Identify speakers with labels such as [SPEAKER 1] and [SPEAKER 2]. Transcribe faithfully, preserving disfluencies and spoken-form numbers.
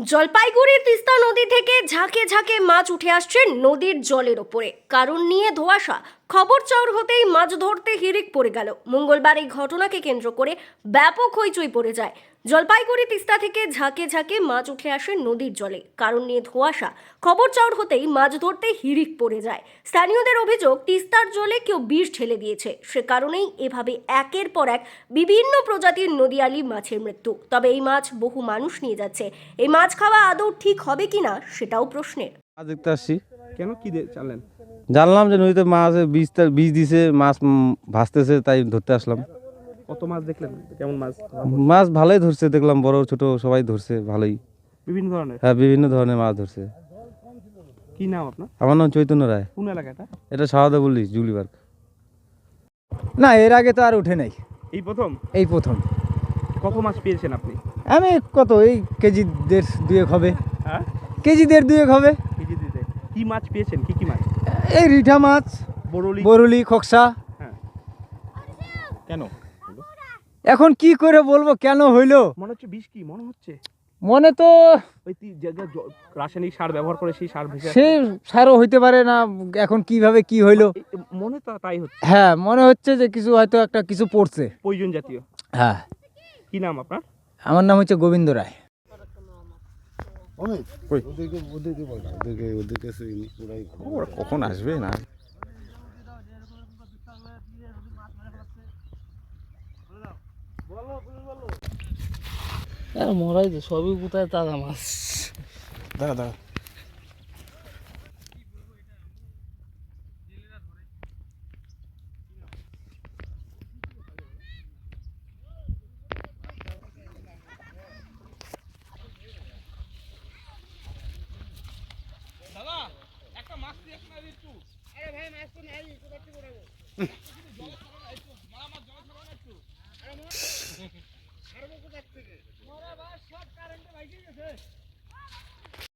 [SPEAKER 1] জলপাইগুড়ির তিস্তা নদী থেকে ঝাঁকে ঝাঁকে মাছ উঠে আসছে নদীর জলের ওপরে। কারণ নিয়ে ধোঁয়াশা। খবর চাউর হতেই মাছ ধরতে হিড়িক পড়ে গেল। মঙ্গলবার এই ঘটনাকে কেন্দ্র করে ব্যাপক হইচই পড়ে যায়। জলপাইগুড়ি তিস্তা থেকে ঝাঁকে ঝাঁকে মাছ উঠে আসে নদীর জলে। কারণ নিয়ে ধোঁয়াশা। খবর চাউর হতেই মাছ ধরতে হিড়িক পড়ে যায়। স্থানীয়দের অভিযোগ, তিস্তার জলে কেউ বিষ ঢেলে দিয়েছে। সে কারণেই এভাবে একের পর এক বিভিন্ন প্রজাতির নদীয়ালি মাছের মৃত্যু। তবে এই মাছ বহু মানুষ নিয়ে যাচ্ছে। এই মাছ খাওয়া আদৌ ঠিক হবে কিনা সেটাও প্রশ্নের।
[SPEAKER 2] মাছ দেখতে আসছি।
[SPEAKER 3] কেন কি দে- জানলেন?
[SPEAKER 2] জানলাম যে নদীতে মাছ বীজ বীজ দিছে, মাছ উম, ভাসতেছে, তাই ধরতে আসলাম।
[SPEAKER 3] কত মাছ দেখলেন? কেমন মাছ?
[SPEAKER 2] মাছ ভালোই ধরছে, দেখলাম বড় ছোট সবাই ধরছে ভালোই।
[SPEAKER 3] বিভিন্ন ধরনের।
[SPEAKER 2] হ্যাঁ, বিভিন্ন ধরনের মাছ ধরছে।
[SPEAKER 3] কি নাম আপনার?
[SPEAKER 2] আমার নাম চৈতন্য রায়।
[SPEAKER 3] কোন এলাকাটা?
[SPEAKER 2] এটা সাহাদা বললি জুলিবার্গ।
[SPEAKER 4] না, এর আগে তো আর উঠে নাই,
[SPEAKER 3] এই প্রথম?
[SPEAKER 4] এই প্রথম।
[SPEAKER 3] কত মাছ পেয়েছেন আপনি?
[SPEAKER 4] আমি কত এই কেজি দেড় দুয়েক হবে,
[SPEAKER 3] হ্যাঁ,
[SPEAKER 4] কেজি দেড় দুয়েক হবে।
[SPEAKER 3] কেজি দিতে কি মাছ পেয়েছেন? কি কি মাছ?
[SPEAKER 4] এই রিঠা মাছ,
[SPEAKER 3] বরলি।
[SPEAKER 4] বরুলি, খোকসা।
[SPEAKER 3] হ্যাঁ, কেন?
[SPEAKER 4] এখন কি করে বলবো কেন হইলো?
[SPEAKER 3] মনে হচ্ছে বিষ। কি মনে হচ্ছে?
[SPEAKER 4] মনে তো
[SPEAKER 3] ওই তি- যে- যে জ- রাসায়নিক সার ব্যবহার করে সেই সার ভেসে
[SPEAKER 4] সে সারও হইতে পারে না, এখন কিভাবে কি হইলো।
[SPEAKER 3] আসছে। এ- এ- মনে তো তাই হচ্ছে,
[SPEAKER 4] হ্যাঁ, মনে হচ্ছে যে কিছু হয়তো একটা কিছু পড়ছে।
[SPEAKER 3] প্রয়োজন জাতীয়।
[SPEAKER 4] হ্যাঁ,
[SPEAKER 3] কি নাম আপনার?
[SPEAKER 4] আমার নাম হচ্ছে গোবিন্দ রায়।
[SPEAKER 2] কখন আসবে না?
[SPEAKER 5] মরাই তো সবই কোথায় তাজা মাছ।
[SPEAKER 2] দাঁড়া দাঁড়া।
[SPEAKER 5] সব কারেন্টে ভাইকে গেছে।